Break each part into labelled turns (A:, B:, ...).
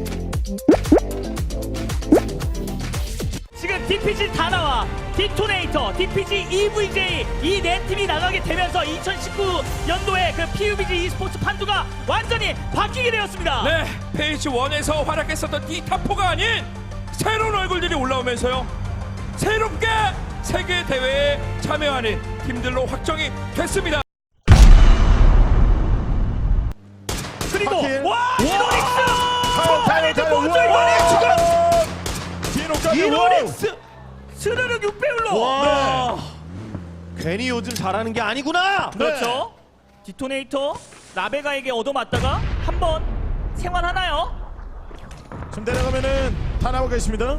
A: 지금 DPG 다 나와. 디토네이터, DPG, EVJ 이 네 팀이 나가게 되면서 2019년도에 그 PUBG e스포츠 판도가 완전히 바뀌게 되었습니다.
B: 네, 페이지 1에서 활약했었던 이 탑4가 아닌 새로운 얼굴들이 올라오면서요. 새롭게 세계 대회에 참여하는 팀들로 확정이 됐습니다.
A: 그리고
C: 하긴.
A: 와, 이노닉스! 초반에 그 먼저
C: 이노닉스
A: 스르륵 6배율로.
C: 와. 괜히 요즘 잘하는 게 아니구나.
A: 그렇죠. 디토네이터 라베가에게 얻어맞다가 한번 생환하나요?
D: 지금 내려가면은 다 나오고 있습니다.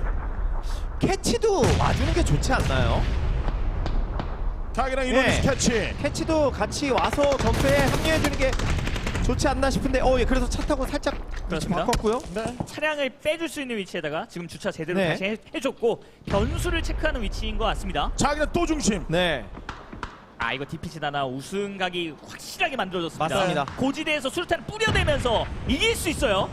C: 캐치도 와주는 게 좋지 않나요?
D: 각이랑 이노닉스
C: 네.
D: 캐치.
C: 캐치도 같이 와서 전투에 합류해주는 게 좋지 않나 싶은데 예, 그래서 차 타고 살짝 위치
A: 그렇습니다.
C: 바꿨고요.
D: 네.
A: 차량을 빼줄 수 있는 위치에다가 지금 주차 제대로
C: 네.
A: 다시 해줬고 변수를 체크하는 위치인 것 같습니다.
D: 자기는 또 중심.
C: 네.
A: 아, 이거 DPG 다나 우승각이 확실하게 만들어졌습니다.
C: 맞습니다.
A: 고지대에서 수류탄을 뿌려대면서 이길 수 있어요.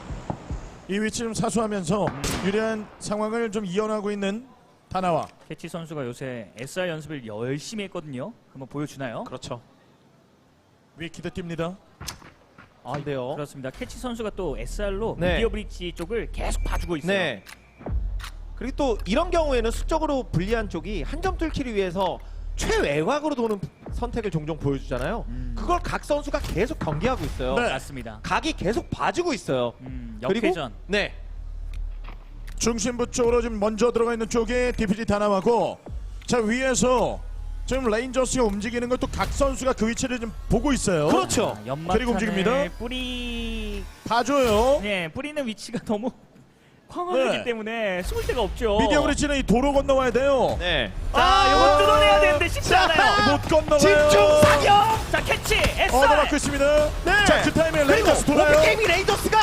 D: 이 위치 좀 사수하면서 유리한 상황을 좀 이어나가고 있는 다나와.
A: 캐치 선수가 요새 SR 연습을 열심히 했거든요. 한번 보여주나요?
C: 그렇죠.
D: 위 기대 뜁니다.
C: 아, 네요.
A: 그렇습니다. 캐치 선수가 또 SR로
C: 네.
A: 미디어 브릿지 쪽을 계속 봐주고 있어요.
C: 네. 그리고 또 이런 경우에는 수적으로 불리한 쪽이 한 점 뚫기를 위해서 최외곽으로 도는 선택을 종종 보여주잖아요. 그걸 각 선수가 계속 경기하고 있어요.
D: 네.
A: 맞습니다.
C: 각이 계속 봐주고 있어요. 그리고
A: 역회전.
C: 네.
D: 중심부 쪽으로 지금 먼저 들어가 있는 쪽에 DPG 다나와고, 자 위에서 지금 레인저스가 움직이는 것도 각 선수가 그 위치를 좀 보고 있어요.
C: 그렇죠.
D: 그리고 움직입니다.
A: 연막탄을
D: 봐줘요.
A: 뿌리는 위치가 너무 광활하기
D: 네.
A: 때문에 숨을 데가 없죠.
D: 미디어 브릿지는 이 도로 건너와야 돼요.
C: 네.
A: 자, 요거 뚫어내야 되는데 쉽지
C: 자,
A: 않아요.
D: 못 건너와요.
C: 집중 사격.
A: 자, 캐치 SR.
D: 얻어맞고 있습니다.
C: 네.
D: 자, 그 타이밍에
C: 그리고
D: 레인저스 돌아요.
C: 오픈게임이 레이더스가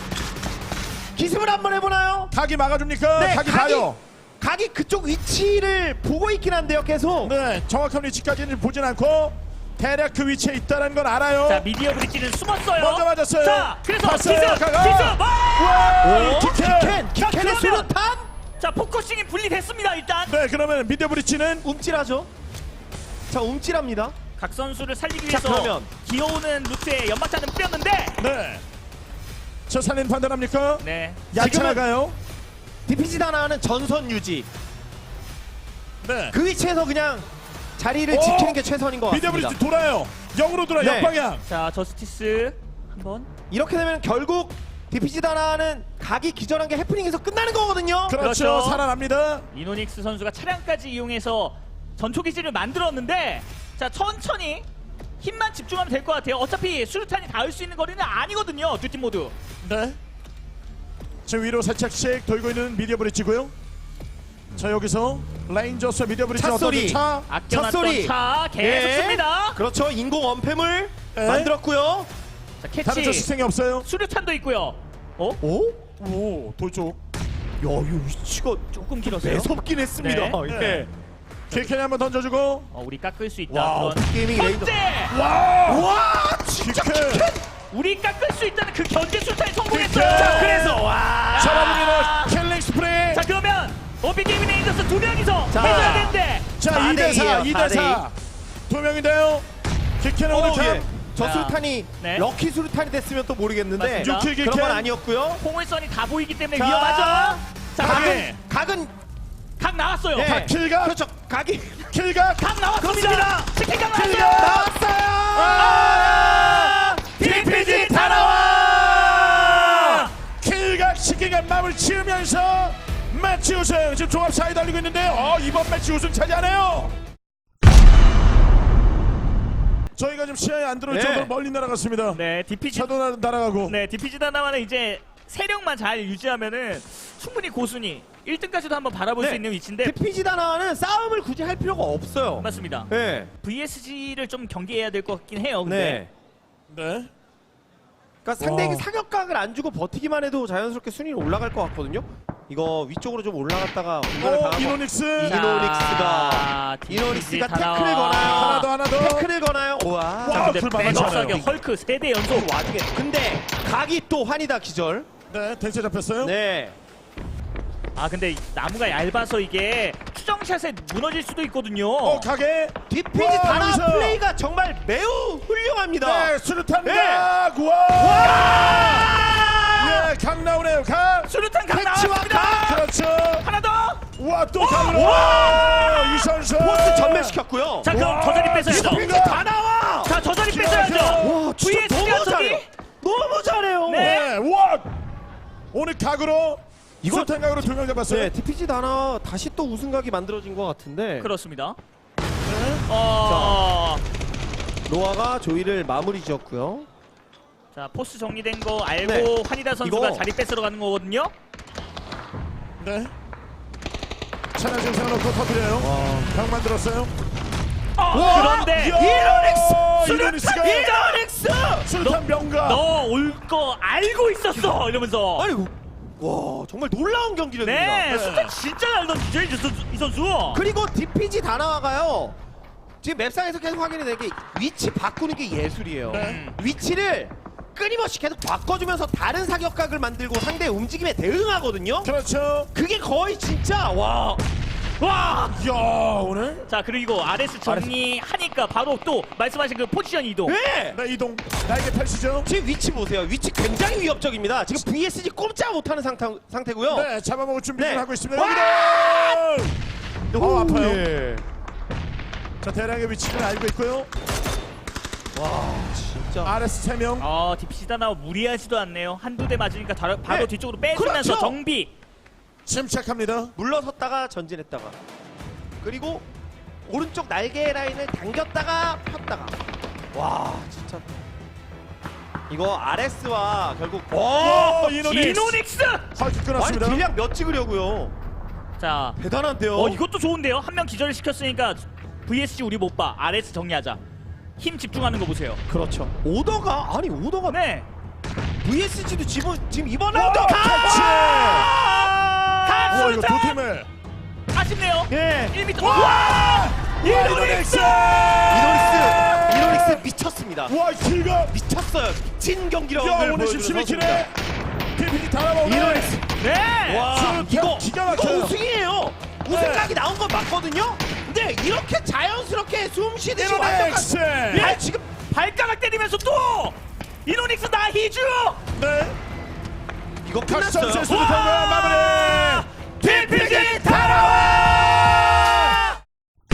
C: 기습을 한번 해보나요?
D: 각이 막아줍니까?
C: 네,
D: 각이 봐요.
C: 각이 그쪽 위치를 보고 있긴 한데요, 계속.
D: 네, 정확한 위치까지는 보진 않고 대략 그 위치에 있다는 건 알아요.
A: 자, 미디어 브릿지는 숨었어요.
D: 먼저 맞았어요.
A: 자, 그래서
D: 봤어요,
A: 기습.
D: 가가.
A: 기습.
D: 와,
C: 킥캔의
A: 그러면-
C: 수류탄
A: 자, 포커싱이 분리됐습니다. 일단
D: 네, 그러면 미디어 브릿지는
C: 움찔하죠. 자, 움찔합니다.
A: 각 선수를 살리기
C: 자,
A: 위해서
C: 그러면.
A: 기어오는 루트에 연막탄을 뿌렸는데
D: 네. 저 살린 판단합니까?
A: 네.
D: 야채
C: 지금은-
D: 나가요.
C: DPG 다나는 전선 유지.
D: 네.
C: 그 위치에서 그냥 자리를
D: 오!
C: 지키는 게 최선인 것
D: 미디어
C: 같습니다.
D: 브릿지 돌아요. 역으로 돌아.
C: 네.
D: 역방향.
A: 자, 저스티스 한번.
C: 이렇게 되면 결국 DPG 다나는 각이 기절한 게 해프닝에서 끝나는 거거든요.
D: 그렇죠.
A: 그렇죠.
D: 살아납니다.
A: 이노닉스 선수가 차량까지 이용해서 전초기지를 만들었는데 자, 천천히 힘만 집중하면 될 것 같아요. 어차피 수류탄이 닿을 수 있는 거리는 아니거든요. 두 팀 모두.
D: 네. 지금 위로 살짝씩 돌고 있는 미디어 브릿지고요. 자, 여기서 레인저스 미디어 브릿지
C: 차 소리.
D: 차.
A: 아껴놨던
C: 찻소리.
A: 차 계속
C: 예.
A: 씁니다.
C: 그렇죠. 인공 엄폐물
D: 네.
C: 만들었고요.
A: 자,
D: 다른 쪽
A: 캐치.
D: 시생이 없어요.
A: 수류탄도 있고요. 어?
C: 오?
D: 오, 돌쪽.
C: 야, 이 위치가
A: 조금 길었어요.
C: 매섭긴 했습니다.
A: 네.
D: 네. 킬캔이 한번 던져주고.
A: 우리 깎을 수 있다.
C: 와,
A: 그런
C: 게이밍 레이더.
A: 견제!
C: 와, 진짜
D: 킬캔.
A: 우리 깎을 수 있다는 그 견제 수류탄이 성공했어요.
D: 자,
A: 자,
C: 그래서 와.
D: 잡아줍니다. 킬링 스프레이.
A: 자, 그러면 오비게이밍 레인저스 두 명이서
C: 자.
A: 해줘야 되는데
D: 자,
C: 4대
D: 2대4,
C: 2예요,
D: 2대4. 두 명인데요. 킬캔은 오늘 참.
C: 저
A: 자,
C: 수류탄이
A: 네.
C: 럭키 수류탄이 됐으면 또 모르겠는데
A: 맞습니다.
D: 유킬
C: 그런 건
D: 킬캔.
C: 아니었고요.
A: 포물선이 다 보이기 때문에
C: 자,
A: 위험하죠. 자,
D: 각이.
C: 각은
A: 각 나왔어요.
C: 네.
D: 자, 킬각.
C: 그렇죠. 각이
D: 킬각.
A: 각 나왔습니다.
C: 그렇습니다.
A: 치킨 각
D: 킬각.
A: 나왔어요.
C: 나왔어요.
A: DPG 다 나와.
D: 킬각 시기가 마음을 지으면서 매치 우승. 지금 종합 4위 달리고 있는데 이번 매치 우승 차지하네요. 저희가 지금 시야에 안 들어올
C: 네.
D: 정도로 멀리 날아갔습니다.
A: 네, DPG
D: 차도 날아가고.
A: 네, DPG 다나와는 이제 세력만 잘 유지하면은 충분히 고순위 1등까지도 한번 바라볼
C: 네.
A: 수 있는 위치인데
C: DPG 다나는 싸움을 굳이 할 필요가 없어요.
A: 맞습니다.
C: 네.
A: VSG를 좀 경계해야 될 것 같긴 해요. 근데
C: 네.
D: 네.
C: 그러니까 상대에게
D: 와.
C: 사격각을 안 주고 버티기만 해도 자연스럽게 순위는 올라갈 것 같거든요. 이거 위쪽으로 좀 올라갔다가 공간을 당하고
D: 이노닉스.
C: 이노닉스가
A: DPG 다
C: 태클을
A: 나와.
C: 거나요?
D: 하나 더, 하나 더.
C: 태클을 거나요? 우와.
D: 와.
A: 자, 근데
D: 불
A: 백업
D: 많잖아요.
A: 사격 헐크 3대 연속.
C: 와중에 근데 각이 또 환이다 기절.
D: 네, 댄스 잡혔어요.
C: 네.
A: 아 근데 나무가 얇아서 이게 추정샷에 무너질 수도 있거든요.
D: 가게.
C: 디피지
D: 와,
C: 다나
D: 여기서.
C: 플레이가 정말 매우 훌륭합니다.
D: 네, 수류탄 각. 와. 예, 각 나오네요. 각.
A: 수류탄 강
C: 패치와
A: 나왔습니다.
C: 각!
D: 그렇죠.
A: 하나 더.
D: 와, 또 각으로.
C: 와!
D: 이 선수.
C: 포스 전멸시켰고요.
A: 자 그럼 저 자리 뺏어야죠.
C: 디피지 다나와.
A: 자 저 자리
D: 기가
A: 뺏어야죠.
D: 막혀요.
C: 와, 진짜
A: VS
C: 너무
A: 가
C: 잘해요. 너무 잘해요.
A: 네.
D: 네, 와. 오늘 각으로
C: 이거-
D: 수류탄 각으로 2명 잡았어요.
C: 네, 디피지 다나 다시 또 우승각이 만들어진 것 같은데.
A: 그렇습니다.
D: 네.
C: 노아가 조이를 마무리 지었고요.
A: 자 포스 정리된 거 알고
C: 네.
A: 환희다 선수가
C: 이거-
A: 자리 뺏으러 가는 거거든요.
D: 네. 차량 증상을 놓고 터뜨려요. 각 만들었어요.
A: 그런데
D: 이노닉스가
C: 이노닉스!
D: 수류탄 병가.
A: 너 올 거 알고 있었어 이러면서.
C: 아니, 와, 정말 놀라운 경기력입니다.
A: 네, 수탄 진짜 잘 던지죠 이 선수.
C: 그리고 디피지 다나와가요. 지금 맵상에서 계속 확인이 되는 게 위치 바꾸는 게 예술이에요.
D: 네.
C: 위치를 끊임없이 계속 바꿔주면서 다른 사격각을 만들고 상대의 움직임에 대응하거든요.
D: 그렇죠.
C: 그게 거의 진짜 와.
D: 야, 오늘
A: 자 그리고 RS 정리하니까 바로 또 말씀하신 그 포지션 이동.
C: 네.
D: 네, 이동. 날개 펼치죠.
C: 지금 위치 보세요. 위치 굉장히 위협적입니다. 지금 VSG 꼼짝 못하는 상태고요.
D: 네, 잡아먹을 준비 좀
C: 네.
D: 하고 있습니다.
C: 와!
D: 여기도. 아파요.
C: 예.
D: 자, 대량의 위치를 알고 있고요.
C: 와, 진짜.
D: RS 3명.
A: 디피시다나 무리하지도 않네요. 한두 대 맞으니까 바로
C: 네.
A: 뒤쪽으로 빼주면서
C: 그렇죠.
A: 정비.
D: 침착합니다.
C: 물러섰다가 전진했다가 그리고 오른쪽 날개 라인을 당겼다가 폈다가 와 진짜 이거 RS와 결국
A: 이노닉스.
D: 하이크
C: 아니
D: 끊었습니다.
C: 딜량 몇 찍으려고요.
A: 자,
C: 대단한데요.
A: 이것도 좋은데요. 한 명 기절을 시켰으니까 VSG 우리 못 봐. RS 정리하자. 힘 집중하는 거 보세요.
C: 그렇죠. 오더가
A: 네.
C: VSG도 지금 이번 라운드
D: 같이.
A: 가
D: 이거 두 팀을.
A: 아쉽네요.
C: 예.
A: 1m.
D: 와! 이노닉스!
C: 이노닉스 미쳤습니다.
D: 와, 키가.
C: 미쳤어요. 미친 경기력을
D: 야, 오늘
C: 보여주는
D: 12킬에 PPT 다 나오네.
C: 이노닉스.
A: 네.
C: 와
D: 수류탄
C: 이거
D: 기가
C: 이거
D: 막혀요.
C: 우승이에요. 우승각이 나온 건 맞거든요. 근데 이렇게 자연스럽게 숨 쉬듯이
D: 이노닉스.
C: 완벽한 지금
A: 발가락 때리면서 또 이노닉스 나희주.
D: 네.
C: 이거
D: 각선수
C: 끝났어요.
D: 수류탄과 마무리.
A: DPG 달아와.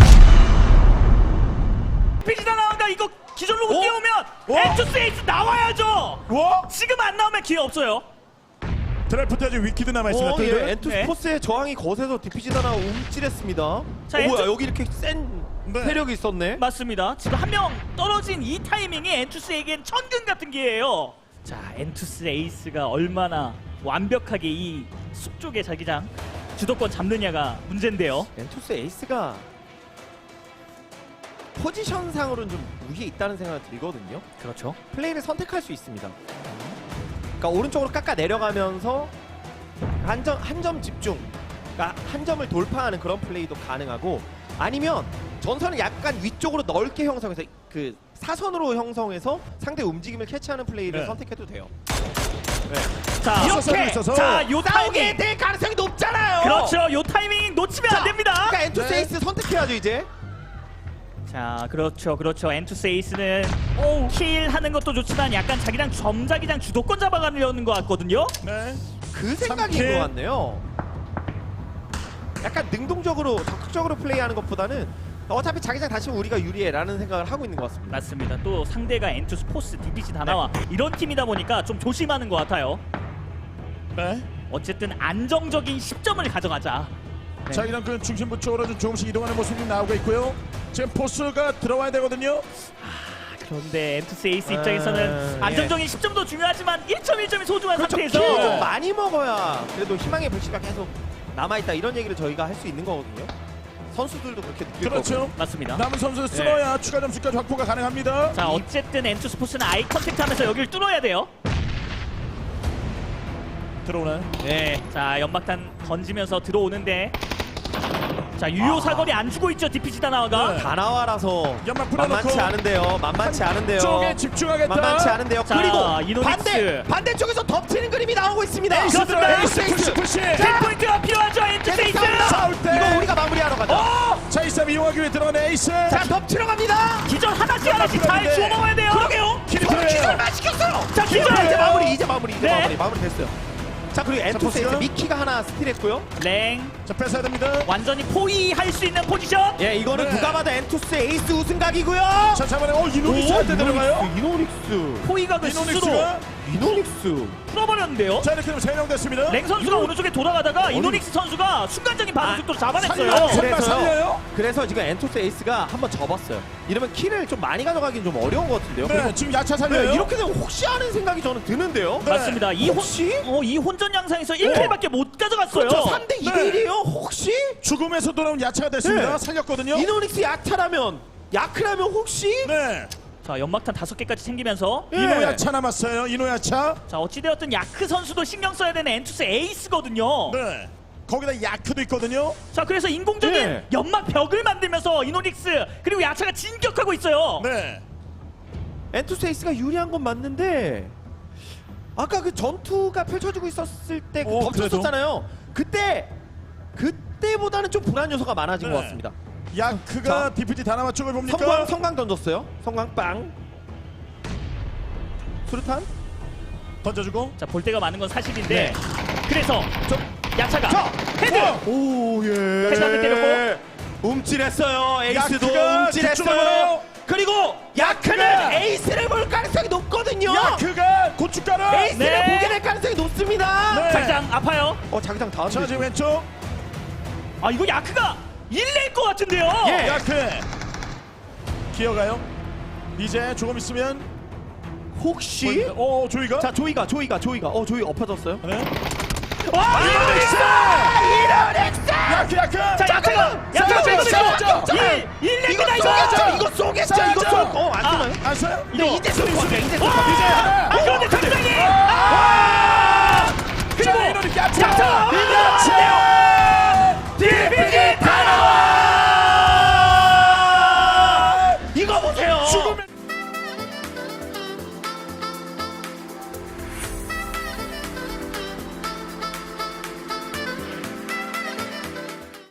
A: DPG 달아와가 이거 기절로 못
C: 오?
A: 뛰어오면
D: 오?
A: 엔투스 에이스 나와야죠.
D: 와!
A: 지금 안 나오면 기회 없어요.
D: 드래프트 아직 위키드 남아 있습니다. 또 이거.
C: 엔투스포스의 저항이 거세서 디피지 다나 움찔했습니다.
A: 자,
C: 뭐야
A: 엔투-
C: 여기 이렇게 센
D: 네.
C: 세력이 있었네.
A: 맞습니다. 지금 한 명 떨어진 이 타이밍이 엔투스에겐 천근 같은 기회예요. 자, 엔투스 에이스가 얼마나 완벽하게 이 숲 쪽의 자기장 주도권 잡느냐가 문제인데요.
C: 엔투스 에이스가 포지션상으로는 좀 우위에 있다는 생각이 들거든요.
A: 그렇죠.
C: 플레이를 선택할 수 있습니다. 그러니까 오른쪽으로 깎아 내려가면서 한 점 집중, 그러니까 한 점을 돌파하는 그런 플레이도 가능하고 아니면 전선을 약간 위쪽으로 넓게 형성해서 그 사선으로 형성해서 상대 움직임을 캐치하는 플레이를
D: 네.
C: 선택해도 돼요.
A: 자,
D: 있어서
C: 이렇게
D: 있어서.
A: 자, 요
C: 싸우게
A: 타이밍.
C: 될 가능성이 높잖아요.
A: 그렇죠. 요 타이밍 놓치면 안 됩니다.
C: 그러니까 엔투스
D: 네.
C: 에이스 선택해야죠 이제.
A: 자, 그렇죠. 엔투스 에이스는 킬 하는 것도 좋지만 약간 자기장 점자기장 주도권 잡아가려는 것 같거든요.
D: 네.
C: 그 생각인
D: 삼킬.
C: 것 같네요. 약간 능동적으로 적극적으로 플레이하는 것보다는 어차피 자기장 다시면 우리가 유리해라는 생각을 하고 있는 것 같습니다.
A: 맞습니다. 또 상대가 엔투스 포스, DPG 다나와 이런 팀이다 보니까 좀 조심하는 것 같아요.
D: 네.
A: 어쨌든 안정적인 10점을 가져가자. 네.
D: 자, 이런 그 중심부 쪽으로 좀 조금씩 이동하는 모습이 나오고 있고요. 지금 포스가 들어와야 되거든요.
A: 그런데 엔투스 에이스 입장에서는
C: 예.
A: 안정적인 10점도 중요하지만 1점이 소중한
C: 그렇죠.
A: 상태에서
C: 킬을 좀 많이 먹어야 그래도 희망의 불씨가 계속 남아있다 이런 얘기를 저희가 할 수 있는 거거든요. 선수들도 그렇게 느낄 거고.
D: 그렇죠.
A: 맞습니다.
D: 남은 선수 쓸어야 추가 점수까지 확보가 가능합니다.
A: 자, 어쨌든 엔투스 포스는 아이 컨택트하면서 여기를 뚫어야 돼요.
D: 들어오나요?
A: 네. 자, 연막탄 던지면서 들어오는데 자 유효 사거리 안 주고 있죠 디피지 다나와가.
D: 네.
C: 다나와라서
D: 연막 뿌려놓고
C: 만만치 않은데요. 만만치 않은데요.
D: 쪽에 집중하겠다.
C: 만만치 않은데요.
A: 자,
C: 그리고
A: 이노닉스.
C: 반대쪽에서 덮치는 그림이 나오고 있습니다.
D: 에이스 들어 에이스
C: 에이스.
D: 푸시.
A: 킬포인트가 필요하죠 엔투세이스.
D: 싸울 때.
C: 이거 우리가 마무리하러 가자.
D: 자, 이 싸움 이용하기 위해 들어간 에이스.
C: 자, 덮치러 갑니다.
A: 기절 하나씩 하나씩 잘 주워 먹어야 돼요.
C: 그러게요.
D: 기절.
C: 기절만 시켰어요.
A: 자 기절.
C: 이제 마무리
A: 네.
C: 마무리 됐어요. 자, 그리고 엔투세이스
D: 포스가.
C: 미키가 하나 스틸했고요.
A: 랭
D: 자, 뺏어야 됩니다.
A: 완전히 포위할 수 있는 포지션.
C: 예, 이거는
D: 네.
C: 누가 봐도 엔투스 에이스 우승각이고요.
D: 자, 잡아내. 이노닉스한테 들어가요.
C: 이노닉스.
A: 포위각을 스스로
D: 이노닉스가.
C: 이노닉스.
A: 풀어버렸는데요.
D: 자, 이렇게 되면 3명 됐습니다.
A: 랭 선수가 오른쪽에 돌아가다가 이노닉스 선수가 순간적인 반응 속도로 잡아냈어요.
D: 살려요. 정말 살려요?
C: 그래서 지금 엔투스 에이스가 한번 접었어요. 이러면 킬을 좀 많이 가져가긴 좀 어려운 것 같은데요.
D: 네, 지금 야차 살려요.
C: 네, 이렇게 되면 혹시 하는 생각이 저는 드는데요.
D: 네.
A: 맞습니다.
C: 혹시?
A: 이 혼전 양상에서 1킬밖에 못 가져갔어요.
C: 그렇죠. 3대 2대1이에요. 혹시?
D: 죽음에서 돌아온 야차가 됐습니다.
C: 네.
D: 살렸거든요.
C: 이노닉스 야차라면 야크라면 혹시?
D: 네.
A: 자 연막탄 5개까지 챙기면서
C: 예.
D: 이노야차 남았어요. 이노야차.
A: 자 어찌되었든 야크 선수도 신경 써야 되는 엔투스 에이스거든요.
D: 네. 거기다 야크도 있거든요.
A: 자 그래서 인공적인
C: 네.
A: 연막 벽을 만들면서 이노닉스 그리고 야차가 진격하고 있어요.
D: 네.
C: 엔투스 에이스가 유리한 건 맞는데 아까 그 전투가 펼쳐지고 있었을 때 덮쳤었잖아요. 그때보다는 좀 불안 요소가 많아진
D: 네.
C: 것 같습니다.
D: 야크가
C: 자.
D: DPT 다나마 쪽을 봅니까?
C: 성광 던졌어요. 성광 빵. 수류탄.
D: 던져주고.
A: 자 볼 때가 많은 건 사실인데
C: 네.
A: 그래서 야차가
C: 자,
A: 헤드
C: 오 예.
A: 헤드한테 때렸고.
C: 움찔했어요. 에이스도
D: 야크가
C: 움찔했어요.
D: 뒷쪽으로.
C: 그리고 야크는
D: 야크가.
C: 에이스를 볼 가능성이 높거든요.
D: 야크가 고춧가루.
C: 에이스를
A: 네.
C: 보게 될 가능성이 높습니다.
D: 네.
A: 자기장 아파요.
C: 자기장 다음.
D: 자, 지금 왼쪽.
A: 아 이거 야크가 1낼 것 같은데요.
C: 예.
D: 야크. 기어가요. 이제 조금 있으면.
C: 혹시?
D: 조이가.
C: 자 조이가 조이 엎어졌어요.
D: 네.
C: 와
D: 이노닉스. 야크.
A: 자 야차가
D: 싸우죠.
A: 빼고 1냅니다
C: 이거
A: 이거.
C: 쏘겠죠. 이거